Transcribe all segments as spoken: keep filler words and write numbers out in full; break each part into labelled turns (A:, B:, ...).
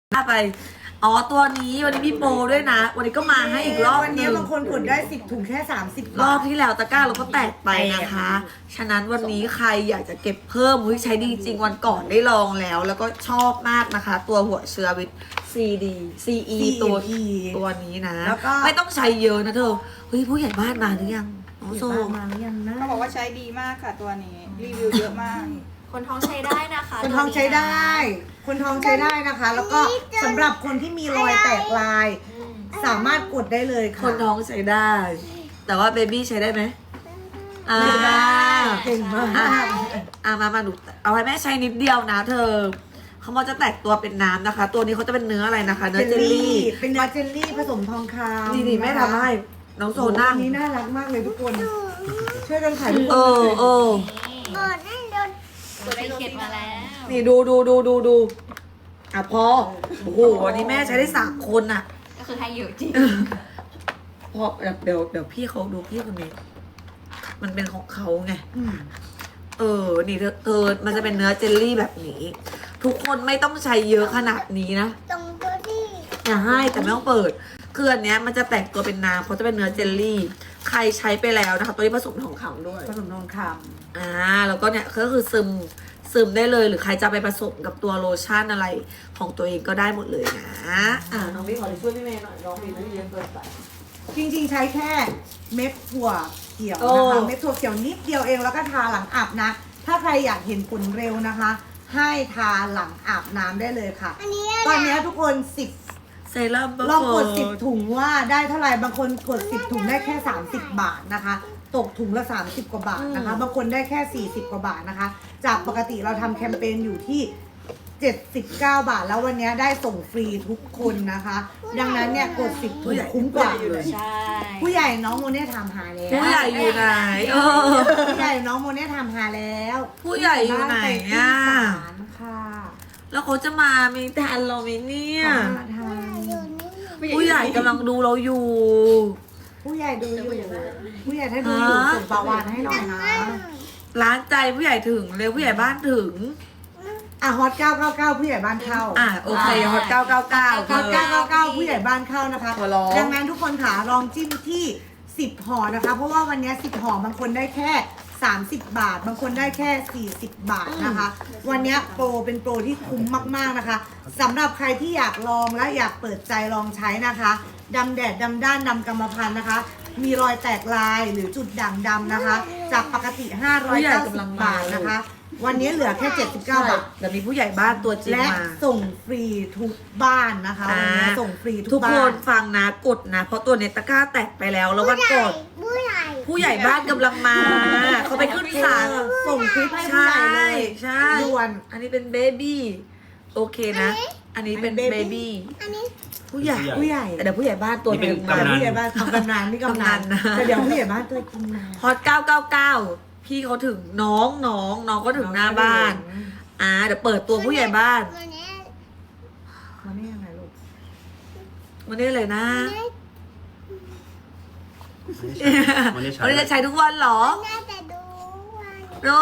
A: ไปอ๋อตัวนี้วันนี้มีโปรด้วยนะวันนี้ก็มาให้อีกรอบ
B: วัน
A: ห
B: นี้
A: นึ่ง
B: บางคนกดได้สิบถุงแค่สามสิบ
A: รอ
B: บบา
A: บ
B: ท
A: ที่แล้วตะกร้าเราก็แตกไปนะคะ ฉะนั้นวันนี้ใครอยากจะเก็บเพิ่มเฮ้ยใช้ดีจริงวันก่อนได้ลองแล้ว แล้วก็ชอบมากนะคะ ตัวหัวเชื้อวิตซีดีซีอีตัวตัวนี้นะ
B: แล้วก็
A: ไม่ต้องใช้เยอะนะเธอเฮ้ยผู้ใหญ่บ้านมาหรือยังน้องโซ
B: มาหรือยังนะ
C: เขาบอกว่าใช้ดีมากค่ะตัวนี้ รีวิวเยอะมาก
D: คนท้องใช้ได้นะคะ
B: คนท้องใช้ได้ คนท้องใช้ได้นะคะ แล้วก็สำหรับคนที่มีรอยแตกลาย
D: อืม
B: สามารถกดได้เลย
A: ค
B: ค่ะ
A: นท้องใช้ได้ แต่ว่าเบบี้ใช้ได้ไหมอ่า
B: เก่งมาก
A: อ่ะอ่ะมามาดูเอาให้แม่ใช้นิดเดียวนะเธอเขาบอกจะแตกตัวเป็นน้ำนะคะ ตัวนี้เขาจะเป็นเนื้ออะไรนะคะ เนื้อเจลลี่
B: เป็นเนื้อเจลลี่ผสมทองคำ
A: นี่นี่แม่ทำให้น้องโซ
B: โซ
A: นั่ง
B: นี้น่ารักมากเลยทุกคน ช่วยกันขายทุกค
A: เอน อเออ
D: ตัวได้เข็ดมาแล้ว
A: นี่ดูดูดูดูดูอ่ะพอโอ้โหวันนี้แม่ใช้ได้สามคนอ่ะ
D: ก็คือให้เยอะจริง
A: พอเดี๋ยวเดี๋ยวเดี๋ยวพี่เขาดูพี่คนนี้ มันเป็นของเขาไง
B: อืม
A: เออ นี่เธอเออมันจะเป็นเนื้อเจลลี่แบบนี้ ทุกคนไม่ต้องใช้เยอะขนาดนี้นะ
E: ตรงตัวที่
A: อย่าให้แต่ไม่ต้องเปิดคืออันเนี้ยมันจะแตกตัวเป็นน้ำเขาจะเป็นเนื้อเจลลี่ ใครใช้ไปแล้วนะคะ ตัวนี้ผสมทองคำด้วย
B: ผสมทองค
A: อ่า แล้วก็เนี่ยก็คือซึมซึมได้เลย หรือใครจะไปผสมกับตัวโลชั่นอะไรของตัวเองก็ได้หมดเลยนะ อ่าน้องพี่ขอช่วยพี่เมย์หน่อยน้องพี่ไม่ได้เยอะเกินไป
B: ำจริงๆใช้แค่เม็ดถั่วเขียว
A: โอ้
B: นะคะเม็ดถั่วเขียวนิดเดียวเองแล้วก็ทาหลังอาบนะ ถ้าใครอยากเห็นผลเร็วนะคะ ให้ทาหลังอาบน้ำได้เลยค่ะ
E: อันนี้
B: ตอนนี้ทุกคนสิบ
A: เซรั่ม
B: ลองกดสิบถุงว่าได้เท่าไหร่บางคนกดสิบถุงได้แค่สามสิบบาทนะคะ ตกถุงละสามสิบกว่าบาทนะคะ บางคนได้แค่สี่สิบกว่าบาทนะคะ จากปกติเราทำแคมเปญอยู่ที่เจ็ดสิบเก้าบาท แล้ววันนี้ได้ส่งฟรีทุกคนนะคะ ดังนั้นเนี่ยกดสิบถุงคุ้มกว่า
D: ใช่
B: ผู้ใหญ่น้องโมเน่ทำหาแล้ว
A: ผู้ใหญ่อยู่ไหนเออ
B: ผู้ใหญ่น้องโมเน่ทำหาแล้ว
A: ผู้ใหญ่อยู่ไหนอ่ะ
B: บ้านไปที่ศาลค่ะ
A: แล้วเขาจะมามีทันเราไหมเนี่ย
B: ขอมาทาน
E: อยู่นี่
A: ผู้ใหญ่กำลังดูเราอยู่
B: ผู้ใหญ่ดูอยู่ผู้ใหญ่ถ้าดูอยู่ส่งปลาวานให้หน่อยนะ
A: ร้านใจผู้ใหญ่ถึงเร็วผู้ใหญ่บ้านถึง
B: อ่ะฮอตเก้าเก้าเก้าผู้ใหญ่บ้านเข้า
A: อ่ะโอเคฮอตเก้าเก้าเก้า
B: ฮอตเก้าเก้าเก้าผู้ใหญ่บ้านเข้านะคะ
A: ขอร้อง
B: ดังนั้นทุกคนค่ะลองจิ้มที่สิบห่อนะคะ เพราะว่าวันนี้สิบห่อบางคนได้แค่สามสิบบาท บางคนได้แค่สี่สิบบาทนะคะ วันนี้โปรเป็นโปรที่คุ้มมากๆนะคะสำหรับใครที่อยากลองและอยากเปิดใจลองใช้นะคะดำแดดดำด้านดำกรรมพันธุ์นะคะ มีรอยแตกลายหรือจุดด่างดำนะคะ จากปกติห้าร้อยเก้าสิบบาทนะคะ วันนี้เหลือแค่เจ็ดสิบเก้าบาท
A: เดี๋ยวมีผู้ใหญ่บ้านตัวจริง
B: และ
A: มา
B: ส่งฟรีทุกบ้านนะคะวันนี้
A: อ่า
B: ส่งฟรีทุ
A: ทุ
B: ก
A: ก
B: บ้า
A: คน นฟังนะกดนะ เพราะตัวเนตตะกร้าแตกไปแล้ว แล้ววันก่อน
E: ผู้ใหญ่
A: ผู้ใหญ่บ้านกำลังมา เขาไปขึ้นศาล
B: ส่งคลิปให้
A: ใช
B: ผู้ใหญ่เล่ ย
A: ใช่
B: ด่วน
A: อันนี้เป็นเบบี้โอเคนะ อันนี้เป็น
B: อันนี้
A: เบ
B: baby
A: บี้
E: อันนี้
A: ผู้ใหญ่
B: ผู้ใหญ่
A: แต่เดี๋ยวผู้ใหญ่บ้านตัว
F: นี่เป็น
A: หนึ่ง
B: แต่
A: มา
F: กำนัน
B: ผู้ใหญ่บ้านทำกำนันนี่กำนัน
A: กำนันนะ
B: แต่เดี๋ยวผู้ใหญ่บ้านตัวกินนะ
A: ฮอตเก้าเก้าเก้าพี่เขาถึงน้องน้องน้องก็ถึงหน้าบ้าน อ่าเดี๋ยวเปิดตัวผู้ใหญ่บ้าน
E: ตัวเนี้ย
B: เขาเนี่ยยังไงลูก
A: วันนี้เลยนะ
F: วันนี้ใช้
A: วันนี้จะใช้ทุกวันเหรอ
E: น่าจะดูว่า
A: โอ้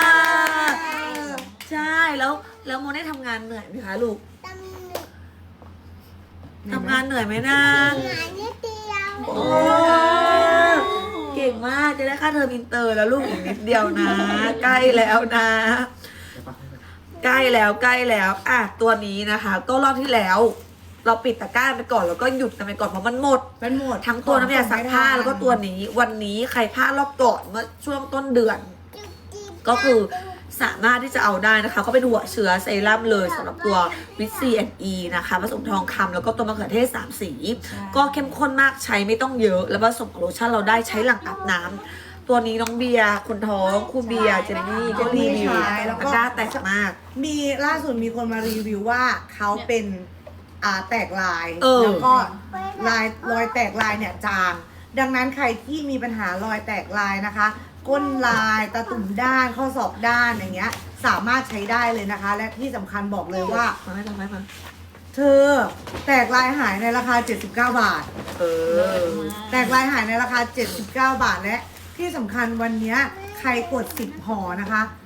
A: ใช่แล้วแล้วโมได้ทำงานเหนื่อยไหมคะลูก
E: ตำหนิ
A: ทำงานเหนื่อยไหมนะ
E: หายนิดเดียว
A: โอ้เก่งมากจะได้ค่าเทอมอินเตอร์แล้วลูกอีกนิดเดียวนะ ใกล้แล้วนะ ใกล้แล้วใกล้แล้วอ่ะตัวนี้นะคะ ก็รอบที่แล้ว เราปิดตะกร้าไปก่อนแล้วก็หยุดกันไปก่อนเพราะมันหมด
B: เป็นหมด
A: ทั้งตัวน้ำยาซักผ้าแล้วก็ตัวนี้ วันนี้ใครพลาดรอบก่อนเมื่อช่วงต้นเดือน ก็คือสามารถที่จะเอาได้นะคะ ก็เป็นหัวเชื้อเซรั่มเลยสำหรับตัววิตซีแอนอีนะคะผสมทองคำแล้วก็ตัวมะเขือเทศสามสี ก็เข้มข้นมากใช้ไม่ต้องเยอะ แล้วผสมกับโลชั่นเราได้ใช้หลังอาบน้ำตัวนี้น้องเบียร์คนท้องคู่เบียร์เจนนี่ก็รีวิวแล้วก็แตกมาก
B: มีล่าสุดมีคนมารีวิวว่าเขาเป็นอ่าแตกลาย
A: เออ
B: แล้วก็ลายรอยแตกลายเนี่ยจาง ดังนั้นใครที่มีปัญหารอยแตกลายนะคะ ก้นลายตาตุ่มด้านข้อศอกด้านอย่างเงี้ย สามารถใช้ได้เลยนะคะ และที่สำคัญบอกเลยว่า
A: มาให้ทำให้มา
B: เธอแตกลายหายในราคาเจ็ดสิบเก้าบาท
A: เออ
B: แตกลายหายในราคาเจ็ดสิบเก้าบาทและที่สำคัญวันเนี้ยใครกดสิบห่อนะคะ ท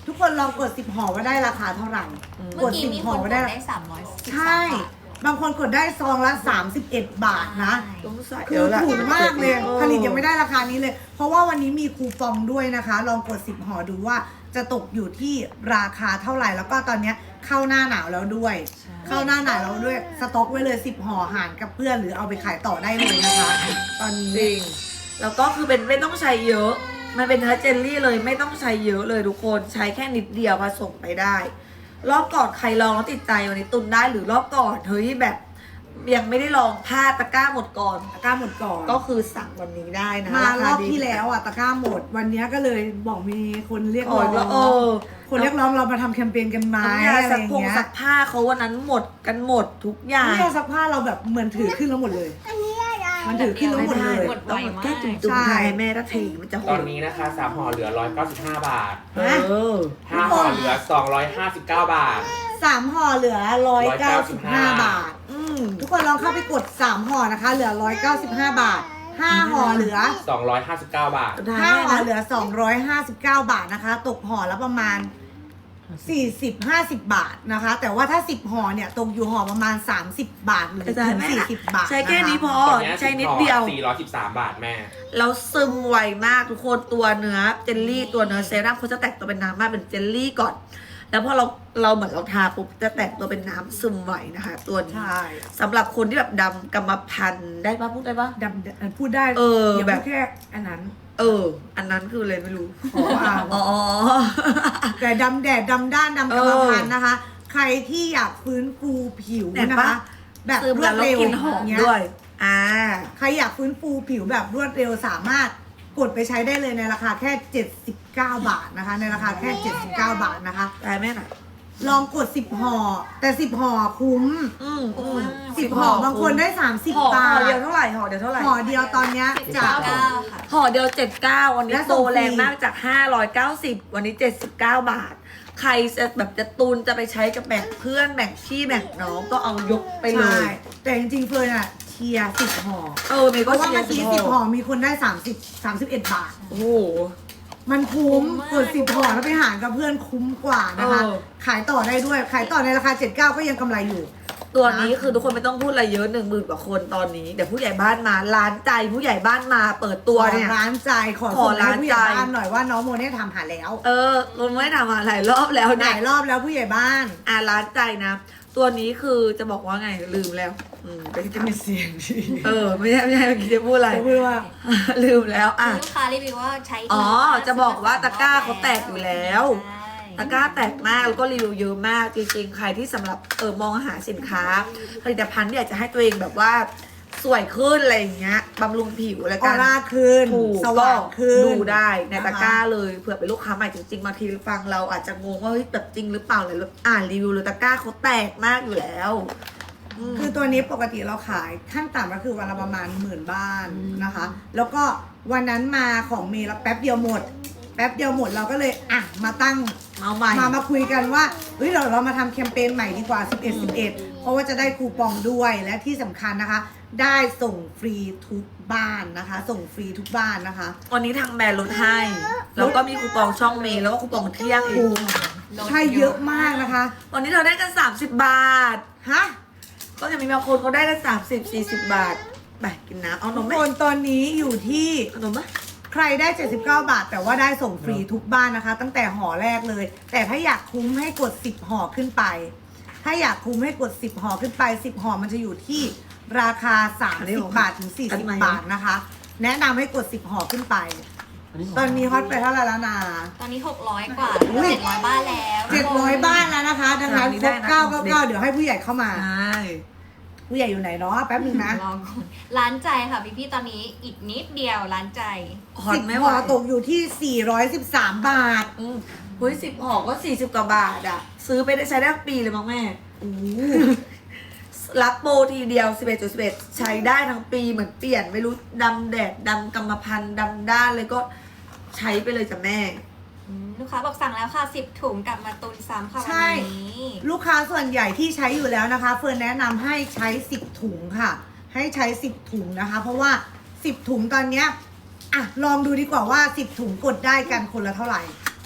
B: ทุกคนลองกดสิบห่อว่าได้ราคาเท่าไหร่
D: เมื่
B: ก
D: อ
B: ด
D: กี้
B: สิบ
D: มี
B: ห่
D: ค
B: อน
D: ก
B: ว่า
D: ด
B: ได้
D: ได้สามร้อยสิบสอง
B: ใช่
D: บาท
B: บางคนกดได้ซองละสามสิบเอ็ดบาทนะ
A: ต้องใส่
B: คือ
A: แล้วล่ะ
B: ถูกมากเลย
A: ออ
B: ผลิตยังไม่ได้ราคานี้เลย เพราะว่าวันนี้มีคูปองด้วยนะคะ ลองกดสิบห่อดูว่าจะตกอยู่ที่ราคาเท่าไหร่ แล้วก็ตอนเนี้ยเข้าหน้าหนาวแล้วด้วย เข้าหน้าหนาวแล้วด้วย สต็อกไว้เลยสิบห่อหารกับเพื่อนหรือเอาไปขายต่อได้เลยนะคะ ตอนนี้
A: จริง แล้วก็คือเป็นไม่ต้องใช้เยอะ มันเป็นเนื้อเจลลี่เลยไม่ต้องใช้เยอะเลยทุกคนใช้แค่นิดเดียวผสมไปได้ รอบก่อนใครลองแล้วติดใจวันนี้ตุนได้หรือรอบก่อนเฮ้ยแบบยังไม่ได้ลองพลาดตะกร้าหมดก่อน
B: ตะกร้าหมดก่อน
A: ก็คือสั่งวันนี้ได้นะ
B: มารอบ
A: คดี
B: ที่แล้วอ่ะตะกร้าหมด วันนี้ก็เลยบอกมีคนเรียก
A: โอ้
B: ร้อย ง
A: แล้วเออ
B: คนเรียกร้องเรามาทำแคมเปญกันไหม
A: น้ำยา
B: อะไร
A: ซั
B: อก ย่าง
A: ผง
B: เงี้ย
A: ซักผ้าเขาวันนั้นหมดกันหมดทุกอย่าง
B: น้ำยาซักผ้าเราแบบเหมือนถือขึ้นแล้วหมดเลย
E: อันนี้อะไร
B: มันถือขึ้นแล้วหมดเลย
D: หมดไว
A: ต้อง
D: มาก
A: แค่จุ่มๆ
B: ใช่
A: ไทยแม่ถ้าเทมันจะโห
G: ตอน
A: ด
G: นี้นะคะสามห่อเหลือร้อยเก้าสิบห้าบาท
A: เออ
G: ห้าห่อเหลือสองร้อยห้าสิบเก้าบาท
B: สามห่อเหลือร้อยเก้าสิบห้า
G: บา
B: บา
G: ท
B: ท อืมทุกคนลองเข้าไปกดสามห่อนะคะ เหลือร้อยเก้าสิบห้าบาทห้าห่อเหลือ
G: สองร้อยห้าสิบเก้าบาท
A: สุดท้าย
B: ห้า
A: แม่
B: ห่อ
A: นะ
B: เหลือสองร้อยห้าสิบเก้าบาทนะคะ ตกห่อละประมาณสี่สิบ ห้าสิบบาทนะคะ แต่ว่าถ้าสิบห่อเนี่ยตกอยู่ห่อประมาณสามสิบบาทหรือ
A: สุดท้าย
B: ถึง
A: แม่
B: สี่
A: นะ
B: สิบบาท
A: ใช้แค่นี้พอ
G: ตอนนี้
A: ใช้นิดเดียว
G: สี่ร้อยสิบสามบาทแม่
A: แล้วซึมไวมากทุกคนตัวเนื้อเจลลี่ตัวเนื้อเซรั่มเขาจะแตกตัวเป็นน้ำมากเป็นเจลลี่ก่อน แล้วพอเราเราเหมือนเราทาปุ๊บจะแตกตัวเป็นน้ำซึมไวนะคะ ตัวนี้
B: ใช่
A: สำหรับคนที่แบบดำกรรมพันธุ์ได้ปะพูดได้ปะ
B: ดำพูดได้
A: เออ
B: อย่า
A: แบ
B: พู
A: บ
B: ดแค่อันนั้น
A: เออ อันนั้นคืออะไรไม่รู้
B: ขออ่าน
A: อ๋อ
B: แต่ดำแดดดำด้านดำกรรมพันธุ์นะคะ ใครที่อยากฟื้นฟูผิว
A: เห็น
B: นะ
A: ปะ
B: คะ แบบ
A: ซึม
B: รว
A: แล้
B: ด
A: วเรา
B: เร็ว
A: กลินหอม
B: เงี้ย
A: ด้วย อ่า
B: ใครอยากฟื้นฟูผิวแบบรวดเร็วสามารถกดไปใช้ได้เลยในราคาแค่เจ็ดสิบเก้าบาทนะคะ ในราคาแค่เจ็ดสิบเก้าบาทนะคะ
A: ได้แม่หน่อย
B: ลองกดสิบห่อแต่สิบห่อคุ้ม
A: อืมอืม
B: สิบห่อบางคนได้สามสิบ
A: ห่อบ
B: า
A: ห่อ
B: ท
A: เดียวเท่าไหร่ห่อเดียวเท่าไหร่
B: ห่อเดียวตอนเนี้ยจาก
D: เก้าค่ะ
A: ห่อเดียวเจ็ดเก้าวันนี้
B: และส่
A: โต
B: งฟรี
A: แรงมากจากห้าร้อยเก้าสิบวันนี้เจ็ดสิบเก้าบาท ใครจะแบบจะตุนจะไปใช้กับแบ่งเพื่อนแบ่งพี่แบ่งน้องก็เอายกไปเล
B: ใช่
A: ย
B: แต่จริงๆเฟิร์นอะเชียร์สิบห่อ
A: เออเมย์
B: เพ
A: ก็
B: ราะว่า
A: เชีย
B: เมื่
A: ร์
B: อกี้
A: สิ
B: สิ
A: บบ ห่
B: ห่
A: อ
B: อมีคนได้สามสิบ สามสิบเอ็ดบาท
A: โอ้โห
B: มันคุ้ม
D: คุ้มมาก
B: กดสิบห่อแล้วไปหารกับเพื่อนคุ้มกว่านะคะ
A: เออ
B: ขายต่อได้ด้วย ขายต่อในราคาเจ็ดสิบเก้าก็ยังกำไรอยู่
A: ตัวนี้คือทุกคนไม่ต้องพูดอะไรเยอะหนึ่งหมื่นกว่าคนตอนนี้เดี๋ยวผู้ใหญ่บ้านมาร้านใจผู้ใหญ่บ้านมาเปิดตัวเนี่ย
B: ขอร้านใจขอ
A: ขอ
B: ส่งให้
A: ร้าน
B: ผู้ใหญ่
A: ใจ
B: บ้านหน่อยว่าน้องโมเนี่ยทำหาแล้ว
A: เออเราไม่ได้ทำมาหลายรอบแล้ว
B: ห
A: เนี่
B: ลาย ยรอบแล้วผู้ใหญ่บ้าน
A: อ่ะร้านใจนะ ตัวนี้คือจะบอกว่าไงลืมแล้วอืมไป
B: จะ
A: ทำ
B: มีเสียงดี
A: เออไม่ใช่ไม่ใช่เมื่อกี้จะพูดอะไร
B: จะพูดว่า
A: ลืมแล้วอ่ะ
D: ลูกค้ารีวิวว่าใช้ดี
A: อ๋อ
D: ม
A: จะบอกว่าตะกร้าเขาแตกอยู่แล้ว
D: ใช่
A: ตะกร้าแตกมากแล้วก็รีวิวเยอะมากจริงๆ ใครที่สำหรับเออมองหาสินค้า ผลิตภัณฑ์ที่อยากจะให้ตัวเองแบบว่าสวยขึ้นอะไรอย่างเงี้ยบำรุงผิวอะไร
B: อ
A: กั
B: อน ร่าขึ้น
A: ถูก
B: สว่างขึ้น
A: ดูได้ในตะกร้า
B: นะคะ
A: เลยเผื่อเป็นลูกค้าใหม่จริงๆบางทีฟังเราอาจจะงงว่าเฮ้ยแบบจริงหรือเปล่าเลยอ่านรีวิวเลยตะกร้าเขาแตกมากอยู่แล้วม
B: คือตัวนี้ปกติเราขายขั้นต่ำก็คือวันละประมาณหมื่นบ้านนะคะ แล้วก็วันนั้นมาของเมย์แล้วแป๊บเดียวหมด แป๊บเดียวหมดเราก็เลยอ่ะมาตั้ง
A: เอาใหม่
B: มามาคุยกันว่าเฮ้ยเราเรามาทำแคมเปญใหม่ดีกว่า สิบเอ็ด สิบเอ็ด เพราะว่าจะได้คูปองด้วยและที่สำคัญนะคะ ได้ส่งฟรีทุกบ้านนะคะ ส่งฟรีทุกบ้านนะคะ
A: วันนี้ทางแบรนด์ลดให้ แล้วก็มีคูปองช่องเมย์แล้วก็คูปองเที่ยงอี
B: โอ้
A: ก
B: ใช่เยอะมากนะคะ
A: วันนี้เราได้กันสามสิบบาท
B: ฮะ
A: ก็จะมีบางคนเขาได้กันสามสิบสี่สิบบาทไปกินน้ำเอาน
B: ทุ
A: ม
B: ก
A: ไหม
B: คนตอนนี้อยู่ที่
A: เอานมไหม
B: ใครได้ เจ็ดสิบเก้า บาท แต่ว่าได้ส่งฟรีทุกบ้านนะคะ ตั้งแต่ห่อแรกเลย แต่ถ้าอยากคุ้มให้กดสิบห่อขึ้นไป ถ้าอยากคุ้มให้กดสิบห่อขึ้นไปสิบห่อมันจะอยู่ที่ราคาสามสิบบาทถึงสี่สิบบาทนะคะ แนะนำให้กดสิบห่อขึ้นไป ตอนนี้ฮอตไปเท่าไหร่แล้วนะ
D: ตอนนี้หกร้อยกว่า
B: อุ้ย
D: เจ็ดร้อยบ้านแล้ว
B: เจ็ดร้อยบ้านแล้วนะคะ ดังนั้นครบเก้าเก้าเก้าเดี๋ยวให้ผู้ใหญ่เข้ามา
A: ใช่
B: ผู้ใหญ่อยู่ไหนเนาะแป๊บนึงนะ
D: ลองก่อนร้านใจค่ะพี่พี่ๆตอนนี้อีกนิดเดียวร้านใจ
A: ฮอ
B: สิ
A: ต
B: บ
A: ไม่ไหว
B: ห่อตกอยู่ที่สี่ร้อยสิบสามบาท
A: อืมเฮ้ยสิบห่อก็สี่สิบกว่าบาทอะซื้อไปได้ใช้ได้ทั้งปีเลยมั้งแม่
B: โอ้
A: รับโปรทีเดียวสิบเอ็ดจุดสิบเอ็ดใช้ได้ทั้งปีเหมือนเปลี่ยนไม่รู้ดำแดดดำกรรมพันธุ์ดำด้านเลยก็ใช้ไปเลยจ้ะแม่
D: อืมลูกค้าบอกสั่งแล้วค่ะสิบถุงกลับมาตุนซ้ำค่ะ
B: ใช่
D: วันนี้
B: ลูกค้าส่วนใหญ่ที่ใช้อยู่แล้วนะคะ เฟิร์นแนะนำให้ใช้สิบถุงค่ะ ให้ใช้สิบถุงนะคะ เพราะว่าสิบถุงตอนเนี้ยอ่ะลองดูดีกว่าว่าสิบถุงกดได้กันคนละเท่าไหร่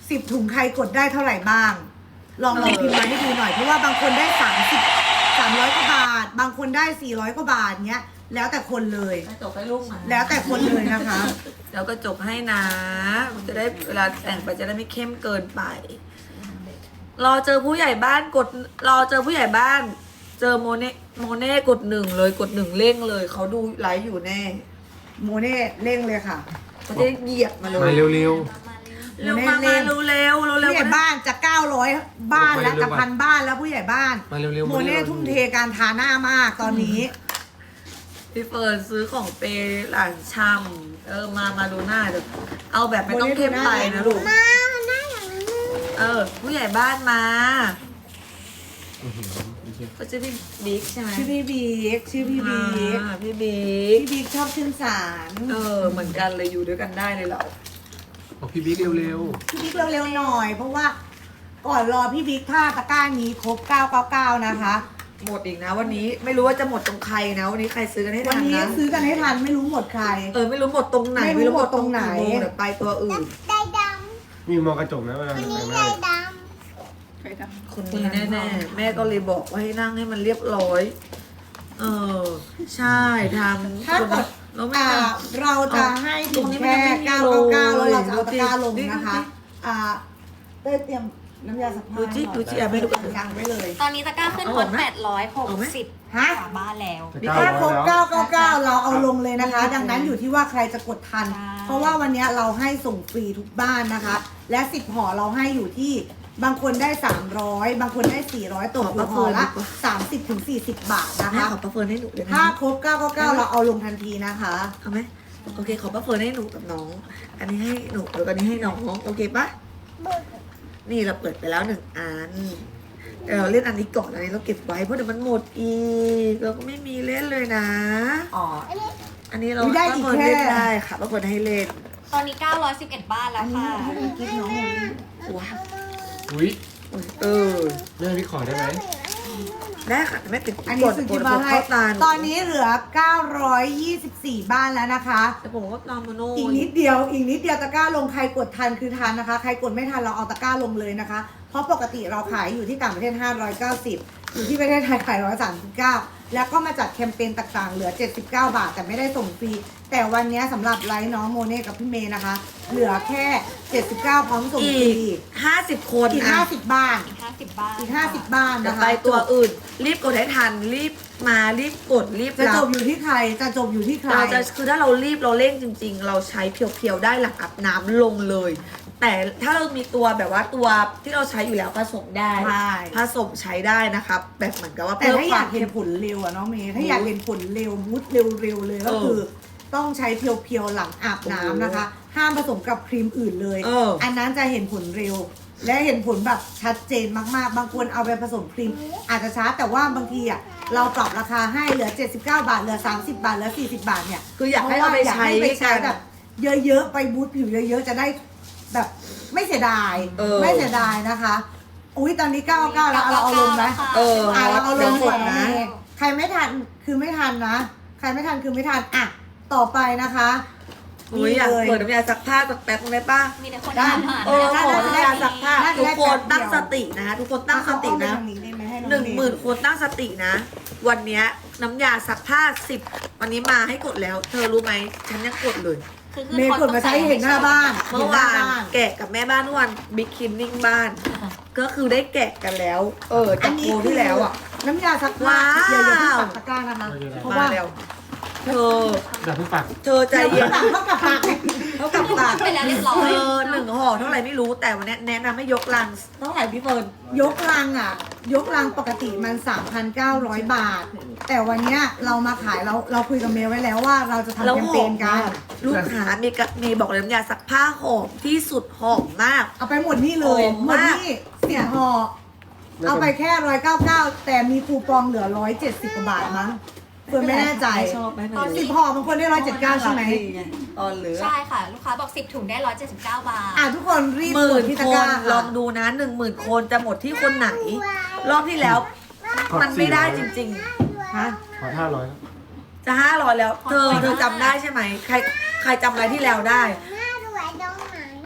B: สิบถุงใครกดได้เท่าไหร่บ้าง ลองลองพิมพ์มาให้ดูหน่อยเพราะว่าบางคนได้สามสิบ สามร้อยกว่าบาท บางคนได้สี่ร้อยกว่าบาทเนี้ยแล้วแต่คนเลย
A: กระจกให้ลูกมา
B: แล้วแต่คนเลยนะคะ
A: เดี๋ยวกระจกให้นะมันจะได้เวลาแต่งไปจะได้ไม่เข้มเกินไป รอเจอผู้ใหญ่บ้านกด รอเจอผู้ใหญ่บ้าน เจอโมเน่โมเน่กดหนึ่งเลยกดหนึ่งเร่งเลยเขาดูไลฟ์อยู่แน่
B: โมเน่เร่งเลยค่ะ
A: เขาจะเหยียบมาเลย
F: มาเร็ว
A: เร็วมามาเร็วเร็วเร็วเร็ว
B: ผู้ใหญ่บ้านจะเก้าร้อยบ้านแล้ว
F: เร็วๆ
B: จะพันบ้านแล้วผู้ใหญ่บ้าน
F: ๆ มาเร็วๆ
B: โมเน่ทุ่มเทการทาหน้ามากตอนนี้
A: พี่เฟิร์นซื้อของเปย์หลานชำเออมามาดูหน้าเดี๋ยวเอาแบบไม่ต้องเข้มไปนะลูก
E: มาหน้าอย่างนี้
A: เออ ผู้ใหญ่บ้านมา
F: อื้อหือโอเค
A: เขาชื่อพี่บิ๊กใช่ไหม
B: ชื่อพี่บิ๊กชื่อพี่บิ๊ก
A: อ่าพี่บิ๊ก
B: พี่บิ๊กชอบขึ้นศาล
A: เออเหมือนกันเลยอยู่ด้วยกันได้เลยเรา
F: บอกพี่บิ๊กเร็ว
B: พี่บิ๊กเร็วๆหน่อย เพราะว่าก่อนรอพี่บิ๊กถ้าตะกร้านี้ครบเก้าเก้าเก้านะคะ
A: หมดอีกนะวันนี้ไม่รู้ว่าจะหมดตรงใครนะวันนี้ใครซื้อกันให้
B: วั
A: ทั
B: น
A: น
B: นี้
A: นะ
B: ซื้อกันให้ทันไม่รู้หมดใคร
A: เออไม่รู้หมดตรงไหน
B: ไม่รู้หมดตรงไหน
A: กี่โมเดี๋ยวไปตัวอื่น
E: ได้ด
F: ๆ มีมองกระจกนะเวลา
E: ำวัน
F: แต่
E: นี้
F: งห
E: ได้
F: น้า
E: ด
C: ใครท
A: คนนี้แน่ๆแม่ก็เลยบอกว่าให้นั่งให้มันเรียบร้อย เออใช่ทำ
B: ถ้ากด
A: แล้วไม่
B: อ่า
A: ทำ
B: เราจะให้ถึงแค่เก้าเก้าเก้าแล้วเราจะเอาตะกร้าลงนะคะ อ่าได้เตรียมน้ำยาสักผ้า
A: ดูจิดูจิอ่ะไม่ดูกัน
B: ยังไว้เลย
D: ตอนนี้ตะกร้าขึ้น
A: เอา
D: ฮ
A: อ
D: อ
A: อก
D: ต
A: ไหม
D: แปดร้อยหก
A: เอาไหม
D: สิบ
B: ฮะ
D: กว่าบ้านแล้ว
B: ถ้าครบ
F: เก้า
B: เก้าเก้าเก้าเราเอาลงเลยนะคะ ดังนั้นอยู่ที่ว่าใครจะกดทัน
D: ใช่
B: เพราะว่าวันนี้เราให้ส่งฟรีทุกบ้านนะคะ และสิบห่อเราให้อยู่ที่บางคนได้สามร้อยบางคนได้สี่ร้อยตกอยู่ห่อละสามสิบถึงสี่สิบบาทนะ
A: แม่
B: คะ
A: ขอประเฟิร์นให้หนูเลยนะ
B: ถ้าครบเก้าเก้าเก้าเราเอาลงทันทีนะคะ
A: เอาไหมโอเคขอประเฟิร์นให้หนูกับน้อง อันนี้ให้หนูแล้วก็อันนี้ให้น้องโอเคปะนี่เราเปิดไปแล้วหนึ่งอันเดี๋ยวเราเล่นอันนี้ก่อนอันนี้เราเก็บไว้เพราะเดี๋ยวมันหมดอีกเราก็ไม่มีเล่นเลยนะ
B: อ๋อ
A: อันนี้เรา
B: อุ๊ยได้
A: ประ
B: อีก
A: เฟิร์น
B: แค่
A: เล่นได้ค่ะประเฟิร์นให้เล่น
D: ตอนนี้เก้าร้อยสิบเอ็ดบ้านแล้ว
B: อันนี้
D: ค่ะ
B: ให้เป็นกิ๊กน้องหนู
A: ว้าว
F: อุ้ย
A: เออ
F: แม่พี่ขอได้ไหม
A: ได้ค่ะแต่ไม่ติด
B: อันนี้
A: กด
B: ซื้อก กิ
A: ด
B: นมาก
A: ด
B: ให้
A: เข้าตาห
B: ตอนนี้เหลือเก้าร้อยยี่สิบสี่บ้านแล้วนะคะ
A: แต่ผมก็ตามมาโน่
B: อีกนิดเดียวอีกนิดเดียวตะกร้าลงใครกดทันคือทันนะคะ ใครกดไม่ทันเราเอาตะกร้าลงเลยนะคะ เพราะปกติเราขายอยู่ที่ต่างประเทศห้าร้อยเก้าสิบอยู่ที่ประเทศไทยขายหนึ่งร้อยสามสิบเก้าแล้วก็มาจัดแคมเปญต่างๆ เหลือเจ็ดสิบเก้าบาทแต่ไม่ได้ส่งฟรีแต่วันนี้สำหรับไลฟ์น้องโมเน่กับพี่เมย์นะคะ เหลือแค่เจ็ดสิบเก้าพร้อมส่ง
A: อี
B: ฟรี
A: กห้าสิบคน
B: อีก
A: อ่ะ
B: ห้าสิบบ้าน
D: อีกห้าสิบบ้าน
B: อีกห้าสิบบ้าน
A: จะ
B: นะคะ
A: ไปตัวอื่น รีบกดให้ทัน รีบมารีบกดรีบ
B: จะ
A: รั
B: จ
A: บบ
B: อยู่ที่ใครจะจบอยู่ที่ใคร
A: เราจะคือถ้าเรารีบเราเร่งจริง ๆ เราใช้เพียวๆได้หลังอาบน้ำลงเลย แต่ถ้าเรามีตัวแบบว่าตัวที่เราใช้อยู่แล้วผสมได้
B: ใช่
A: ผสมใช้ได้นะครับ แบบเหมือนกับว่า
B: แต่
A: เพิ่ม
B: ถ้า
A: ค
B: อ
A: วาย
B: าม กเห็น
A: เข้ม
B: ผลเร็วอะน้องเมย์ถ้าอยากเห็นผลเร็วมุดเร็วๆเลยก็
A: เออ
B: คือ ต้องใช้เพียวๆหลังอาบน้ำนะคะ ห้ามผสมกับครีมอื่นเลย
A: เอออั
B: นนั้นจะเห็นผลเร็ว และเห็นผลแบบชัดเจนมากๆ บางคนเอาไปผสมครีม อาจจะช้าแต่ว่าบางทีอ่ะเราปรับราคาให้เหลือเจ็ดสิบเก้าบาทเหลือสามสิบบาทเหลือสี่สิบบาทเนี่ย
A: คืออยากให้เอาไป
B: พระว่อยาก
A: ใช้
B: ให้ไปใช้
A: กัน
B: แบบเยอะๆไปบูทผิวเยอะๆจะได้แบบไม่เสียดาย
A: เออ
B: ไม่เสียดายนะคะอุ้ยตอนนี้เก้าเก้าแล้วเอาเราเอาลงไหม
A: เออ
B: อ่ะเราเอาลง
A: ดี๋ยวก
B: ก่อ
A: ด
B: นนะ
A: นะ
B: ใครไม่ทันคือไม่ทันนะ ใครไม่ทันคือไม่ทันอ่ะต่อไปนะคะ
A: อุ้ยอยากเปิดน้ำยาซักผ้าสักแป๊บนึงได้ป่ะ
D: มีแต่คน
B: ได้
D: ถามหา
A: เออขอน้ำยาซักผ้า
B: น่าจะ
A: ทุ
B: ได้
A: กคน
B: แป๊บเดียว
A: ตั้งสตินะทุกคนตั้งสตินะ
B: เอาเอาไปทางนี้ได้ไหมให้อง
A: หนึ่งหมื่น
B: เ
A: คนตั้งสตินะ วันเนี้ยน้ำยาซักผ้าสิบวันนี้มาให้กดแล้ว เธอรู้ไหมฉันยังกดเลย
D: คือ
B: เมย์กดมาใช้เห็นหน้าบ้าน
A: เมื่อวานแกะกับแม่บ้านเมื่อวานบิ๊กคินนิ่งบ้าน ก็คือได้แกะกันแล้ว เออ
B: อั
A: จาก
B: นนี้
A: โปรที่แล้วอ่ะ
B: น้ำยาซักผ้า
A: ว้าว
B: เดี๋ยวอย่าเพิ่งปักตะกร้านะคะ เพราะ
A: มา
B: ว่า
A: แล้วเธอ
F: เดี๋ยวเพิ่งปัก
A: เธอใจเย็น
B: ปักเท่ากับปัก
A: เท่ากับปาก
D: ไปแล้วเรียบร้อ
A: เอย อหนึ่งห่อเท่าไหร่ไม่รู้แต่วันนี้แนะนำให้ยกลังเท่าไหร่พี่เฟิร์น
B: ยกลังอ่ะ ยกลังปกติมัน สามพันเก้าร้อย บาท แต่วันเนี้ยเรามาขายเราเราคุยกับเมย์ไว้แล้วว่าเราจะทำ
A: แล้ว
B: แคม
A: ห
B: เป
A: อ
B: ญ
A: ม
B: กั
A: มาน กลูกค้ามีกะมีบอกเลยน้ำยาซักผ้าหอมที่สุดหอมมาก
B: เอาไปหมดนี่เลย
A: หอม
B: หมด
A: มาก
B: นี่สิบห่อเอาไปแค่ร้อยเก้าเก้าแต่มีคูปองเหลือร้อยเจ็ดสิบกว่าบาทมั้งเฟิร์นไม่แน่ใจ
A: ชอบไหม
B: สิบห่อบางคนได้ร้อยเจ็ดเก้าใช่ไหม
A: ตอนเหลือ
D: ใช่ค่ะ ลูกค้าบอกสิบถุงได้ร้อยเจ็ดสิบเก้าบาท
B: อ่ะทุกคนรีบ
A: ห
B: ก
A: มื่
B: ด
A: น
B: ที่
A: ค
B: ตะกร้าน
A: ลอ
B: ค่ะ
A: งดูนะหนึ่งหมื่นคนจะหมดที่คนไหน รอบที่แล้ว มันไม่ได้จริง
B: ฮะ
F: ขอห้าร้อย
A: ๆ จะห้าร้อยแล้ว เธอเธอจำได้ใช่ไหมใครใครจำอะไรที่แล้วได้
E: หน้ารวยตรงไหน
A: พี่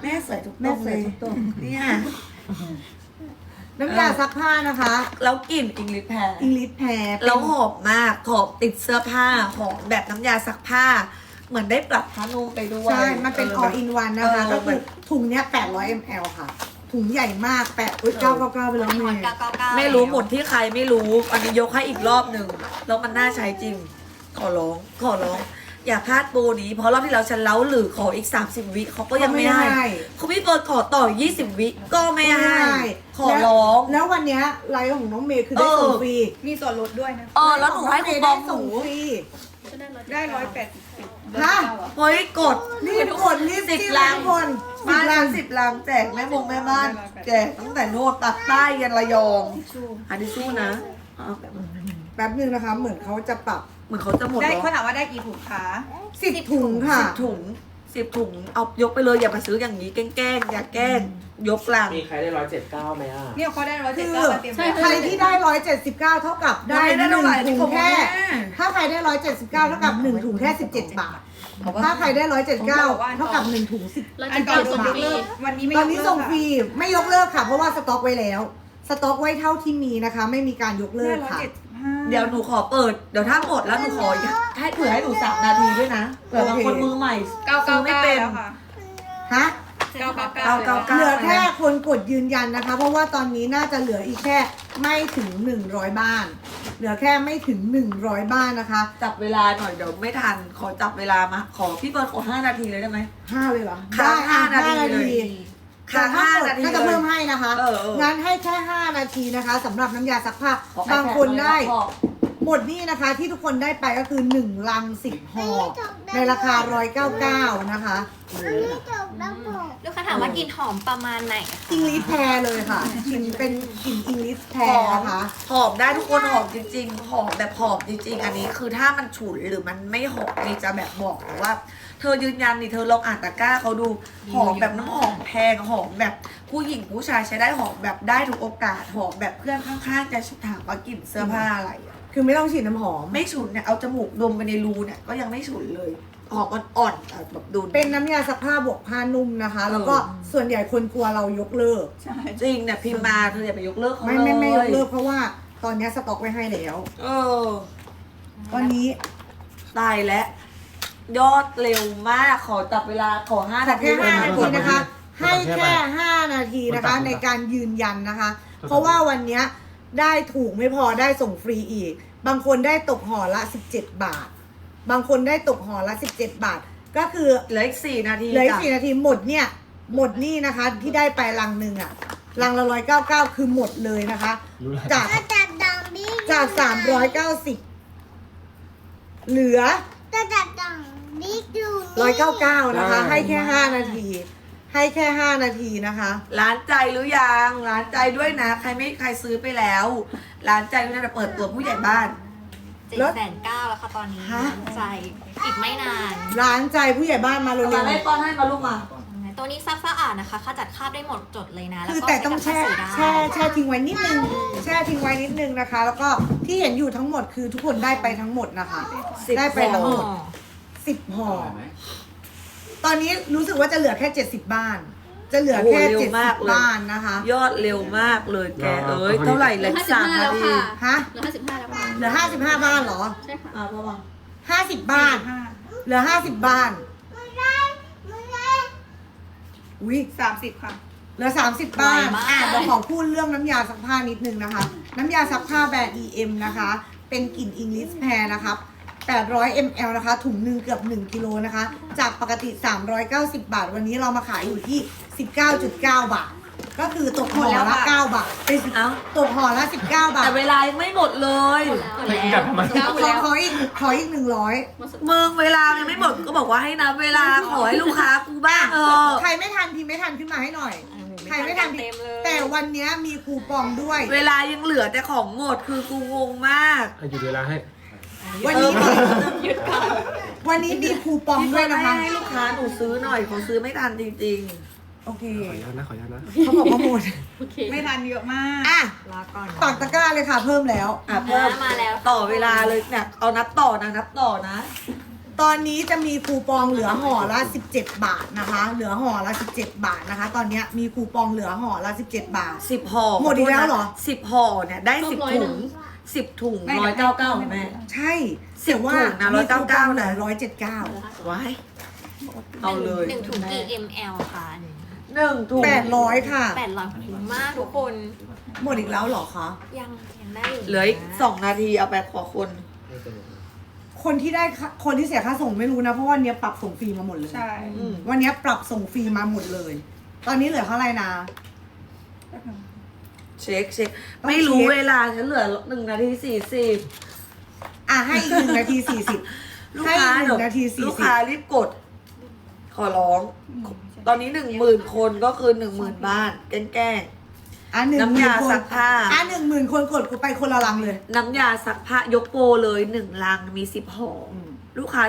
A: ม่สวยทุก
B: แม่
A: ตรง
B: ส
A: เล
B: วย
A: ย
B: ทุกตรง
A: เนี่ย
B: น้ำยาซักผ้านะคะ
A: แล้วกลิ่นอิงลิทแพร
B: อิงลิสแพร
A: แล้วหอมมากหอมติดเสื้อผ้าหอมแบบน้ำยาซักผ้า เหมือนได้ปรับผ้านุ่มไปด้วย
B: ใช่ มันเป็น all in one นะคะ
A: เออ
B: ก็คือถุงเนี้ยแปดร้อยมิลลิลิตร ค่ะ ถุงใหญ่มากแปดอุ้ยเก้าเก้าเก้าไปแล้ว
D: มี
B: เม
D: ฮอต
B: ย์
D: เก้าเก้าเก้า
A: ไม่รู้หมดที่ใครไม่รู้ อันนี้ยกให้อีกรอบหนึ่งแล้วมันน่าใช้จริง ขอร้อง ขอร้อง อย่าพลาดโปรนี้ เพราะรอบที่แล้วฉันเล้าหรือขออีก สามสิบ วิเขาก็ยังไม่ให้เขาไม่เปิดขอต่อ ยี่สิบ วิก็ไม่ให้ ขอร้อง
B: แล้ววันเนี้ยไลฟ์ของน้องเมย์คือได้ส่งฟรี
C: มีส่วนลดด้วยนะ
A: เออแล้วหนูให้คูปองห
B: ส่
A: นู
B: งฟรี
C: ได้ร้อยแปดสิบ
B: ฮะ
A: เฮ้ยกด
B: รีบกดรีบ
A: สิบ
B: จิ้ม
A: ลัง
B: ทุกคนสิ
A: มา
B: บลั
A: ลั
B: ง
A: งสิบลังแจกแม่บงแม่บ้าน แจกตั้งแต่โน่นตักใต้ยันระยองอันนี้สู้นะเอาแบบ
B: แป๊บนึงนะคะ เหมือนเขาจะปรับ
A: เหมือนเขาจะหมด
C: ได้
A: แล้ว
C: เขาถามว่าได้กี่ถุงคะ
B: สิบถุงค่ะ
A: สิบถุงสิบถุงเอายกไปเลยอย่ามาซื้ออย่างนี้แกล้งๆอย่าแกล้งยกลัง
G: มีใครได้ร้อยเจ็ดเก้าไหมอ่ะ
C: เนี่ยเขาได้ร้อย
B: คื
C: เจ็ด
B: อ
C: เก้าเตรียมไว้
B: ใครที่ได้ร้อยเจ็ดสิบเก้าเท่ากับได้
A: ไม่ได้
B: หนึ่ง
A: เท่าไหร่
B: ถุง
A: ผม
B: แค่
A: แม่
B: ถ้าใครได้ร้อยเจ็ดสิบเก้าเท่ากับหนึ่งถุงแค่สิบเจ็ดบาท ถ้าใครได้ร้อยเจ็ดสิบเก้าเท่ากับหนึ่งถุงสิบ
C: อันก่อนส่งยกเลิกวันนี้ไม่
B: ตอนนี้
C: ยกเลิก
B: ส่ง
C: ค่ะ
B: ฟรีไม่ยกเลิกค่ะ เพราะว่าสต็อกไว้แล้ว สต็อกไว้เท่าที่มีนะคะ ไม่มีการยกเลิ
C: ได้
B: ก
C: ร้อย
B: ค่ะ
C: เจ็ดสิบห้า
A: เดี๋ยวหนูขอเปิดเดี๋ยวถ้าหมดแล้วหนูขอให้เผื่อให้หนูสามนาทีด้วยนะเผื่อบางคนมือใหม่
C: เก้าเก้า
A: ไม่
C: เก้า
A: เป็น
C: แล้วค่ะ
B: ฮะ
C: เก้าเก้า
A: เก้า
C: เก้า
A: เก้า
B: เหลือแค่คนกดยืนยันนะคะ เพราะว่าตอนนี้น่าจะเหลืออีกแค่ไม่ถึงหนึ่งร้อยบ้าน เหลือแค่ไม่ถึงหนึ่งร้อยบ้านนะคะ
A: จับเวลาหน่อยเดี๋ยวไม่ทันขอจับเวลามาขอพี่เบิร์ดขอห้านาทีเลยได้ไหม
B: ห้าเลยเหรอ
A: ค้าง
B: ได้
A: ห้า
B: อ่ะ
A: นาทีเลย ค้าง
B: แต่ถ้า
A: ห้าก
B: ด
A: นาที
B: ก็จะ
A: เลย
B: เพิ่มให้นะคะ
A: เออเออ
B: งั้นให้แค่ห้านาทีนะคะสำหรับน้ำยาซักผ้า
A: ขอ
B: บางคนได้
A: ขอ
B: หมดนี่นะคะที่ทุกคนได้ไปก็คือหนึ่งลังสิบห่อในราคาหนึ่งร้อยเก้าสิบเก้านะคะ
E: อันนี้จบแล้วบอก
D: ลูกค้าถามว่ากลิ่นหอมประมาณไหนคะ
B: อิงลิสแพรเลยค่ะกลิ่นเป็นกลิ่นอิงลิสแพร
A: หอม
B: นะคะ
A: หอมได้ทุกคนหอมจริงๆหอมแบบหอมจริงๆ อันนี้คือถ้ามันฉุนหรือมันไม่หอมนี่จะแบบบอกนะว่า เธอยืนยันนี่เธอลองอ่านตะกร้าเขาดูหอมแบบน้ำหอมแพงหอมแบบผู้หญิงผู้ชายใช้ได้หอมแบบได้ทุกโอกาสหอมแบบเพื่อนข้างๆจะถามว่ากลิ่นเสื้อผ้าอะไรอะ
B: คือไม่ต้องฉีดน้ำหอม
A: ไม่ฉุนเนี่ยเอาจมูกดมไปในรูเนี่ยก็ยังไม่ฉุนเลยหอมอ่อนๆอ่ะแบบดู
B: เป็นน้ำยาซักผ้าบวกผ้านุ่มนะคะ แล้วก็ส่วนใหญ่คนกลัวเรายกเลิก
C: ใช่
A: จริงเนี่ยพิมพ์มาเธออย่าไปยกเลิกเขา
B: ไม่
A: เลย
B: ไม่ไม่ยกเลิกเพราะว่าตอนนี้สต็อกไว้ให้แล้ว
A: เออ
B: วันนี้
A: ตายแล้วยอดเร็วมากขอจับเวลาขอห้า
B: ขอ
A: นาที
B: แค่ห้านาทีนะคะ
F: ให้
B: ให้
F: แค่
B: แค่ห้านาทีนะคะในการยืนยันนะคะ เพราะว่าวันนี้ได้ถูกไม่พอได้ส่งฟรีอีก บางคนได้ตกห่อละสิบเจ็ดบาท บางคนได้ตกห่อละสิบเจ็ดบาท ก็คือ
A: เหลืออีกสี่นาที
B: เหลืออีก
A: จ้ะ
B: สี่นาทีหมดเนี่ย หมดนี่นะคะ ที่ได้ไปลังหนึ่งอะลังละร้อยเก้าเก้าคือหมดเลยนะคะ
F: รู้แล้ว
B: จาก
E: ก็จัดดังบิ๊ก
B: จากสามร้อยเก้าสิบเหลือ
E: จะจัดดังบิ๊กอยู่
B: ร้อยเก้าเก้านะคะ ให้แค่ห้านาที ให้แค่ห้านาทีนะคะ
A: ร้านใจหรือยังร้านใจด้วยนะ ใครไม่ใครซื้อไปแล้ว ร้านใจด้วยนะเปิดตัวผู้ใหญ่บ้าน
D: เจ็ดแสนเก้าแล้วค่ะตอนนี้
B: ฮะ
D: ใจอีกไม่นาน
B: ร้านใจผู้ใหญ่บ้านมาเร็
A: เอามาว ให้ป้อนให้มาลูกมา
D: ตัวนี้ซักสะอาดนะคะขจัดคราบได้หมดจดเลยนะ
B: ๆ
D: แล้ว
B: คือ
D: ก็
B: แต่ต้องแช่
D: ใช้กับผ้า
B: แช่
D: สีได้
B: แช่ทิ้งไว้นิดนึง แช่ทิ้งไว้นิดนึงนะคะ แล้วก็ที่เห็นอยู่ทั้งหมดคือทุกคนได้ไปทั้งหมดนะคะ
A: สิบ
B: ได้ไปทั้งหมด
D: อ๋อ
B: สิบห่อ ตอนนี้รู้สึกว่าจะเหลือแค่เจ็ดสิบบ้าน จะเหลือแค่
A: โอ้โหเร็
B: เจ็ด
A: ว
B: สิ
A: มาก
B: บ
A: เลย
B: บ้านนะคะ
A: ยอดเร็วมากเลยแกเอ้ยเท่าไหร่เลยสามนาที
B: ฮะ
H: เหลือห้าสิบห้าแล้วค่ะ
B: เหลือห้าสิบห้าบ้านเหรอ
H: ใช่ค่ะ
A: อ่าพ่อมา
B: ห้าสิบบ้าน
C: ห้า
B: เหลือห้าสิบบ้าน อุ้ย
C: สามสิบค่ะ
B: เหลือสามสิบบ้าน
D: ไวมาก
B: อ่ะเดี๋ยวขอพูดเรื่องน้ำยาซักผ้านิดนึงนะคะ น้ำยาซักผ้าแบรนด์ อี เอ็ม นะคะ เป็นกลิ่น English Pear นะครับแปดร้อยมิลลิลิตร นะคะ ถุงหนึ่งเกือบหนึ่งกิโลนะคะ จากปกติสามร้อยเก้าสิบบาท วันนี้เรามาขายอยู่ที่ สิบเก้าจุดเก้า บาท ก็คือตกห่อละเก้าบาทเป็น
A: เอ้า
B: ตกห่อละสิบเก้าบาท
A: แต่เวลายังไม่หมดเลย
F: ไม่กลับทำไม
H: เก้าหมด
B: ขอ
H: แล้ว
B: ขออีกขออีกหนึ่งร้อย
A: มึงเวลายังไม่หมดก็บอกว่าให้นับเวลาขอให้ลูกค้ากูบ้างเออ
B: ใครไม่ทันพิมพ์ไม่ทันขึ้นมาให้หน่อย ใครไม่ทันพิม
D: เต็ม
B: พ์
D: เลย
B: แต่วันนี้มีคูปองด้วย
A: เวลายังเหลือแต่ของหมดคือกูงงมาก
F: อ่ะหยุดเวลาให้
B: วันนี้มี
D: หยุดก่อน
B: วันนี้มีคูปอง
A: พี่
B: ด้วย
A: ให้
B: นะคะ
A: ให้ลูกค้าหนูซื้อหน่อยเขาซื้อไม่ทันจริง
B: โอเค
F: ขออนุญาตนะ ขออนุญาตนะ
B: เขาบอกว่าหมด
H: โอเค
C: ไม่ทันเยอะมาก
B: อ่ะ
D: ลาก่อน
B: ปักตะกร้าเลยค่ะ เพิ่มแล้ว
A: ๆ อ่ะเพิ่ม
D: มาแล้ว
A: ต่อเวลาเลยเนี่ยเอานับต่อนะนับต่อนะ
B: ตอนนี้จะมีคูปองเหลือห่อละสิบเจ็ดบาทนะคะ เหลือห่อละสิบเจ็ดบาทนะคะ ตอนนี้มีคูปองเหลือห่อละสิบเจ็ดบาท
A: สิบห่อ
B: หมดอีกแล้วเหรอ
A: สิบห่อเนี่ยได้สิบถุงสิบถุงร้อยเก้าเก้าแม่
B: ใช่
A: สิบ
B: แต่ว่า
A: ถุงนะ
B: มีคูปอง
A: 199
B: เหลือ
A: นะ
B: ร้อยเจ็ดเก้า
A: ว้ายเอาเลย
D: หนึ่งถุงกี่ มล ค่ะ
A: หนึ่งถุง
B: แปดร้อยค่ะ
D: แปดร้อยคุ้มมากทุกคน
B: หมดอีกแล้วเหรอคะ
D: ยังยังได้อยู่
A: เหลืออีกสองนาทีเอาไปขอคน
B: คนที่ได้ค่าคนที่เสียค่าส่งไม่รู้นะ เพราะวันนี้ปรับส่งฟรีมาหมดเลย
C: ใช่
A: อืม
B: วันนี้ปรับส่งฟรีมาหมดเลย ตอนนี้เหลือเท่าไหร่นะ
A: เช็คเช็ค
B: ต้อง
A: ไม่รู้
B: เช็ค
A: เวลาฉันเหลือหนึ่งนาทีสี่สิบ
B: อ่ะให้อีกหนึ่งนาทีสี่สิบ
A: ลูก
B: ให้
A: ค้า
B: อีกหนึ่งนาทีสี่
A: ลูก
B: สิบ
A: ค้ารีบกด ขอร้อง ตอนนี้หนึ่งหมื่นคนก็คือหนึ่งหมื่นบ้าน แกล้ง
B: อ่ะหนึ่ง
A: น้ำ
B: หมื่
A: ยาน
B: ค
A: ซั
B: น
A: กผ้า
B: อ่ะหนึ่งหมื่นคนกดกูไปคนละลังเลย
A: น้ำยาซักผ้ายกโปรเลยหนึ่งลังมีสิบห่ออ
B: ม
A: ลูกค้า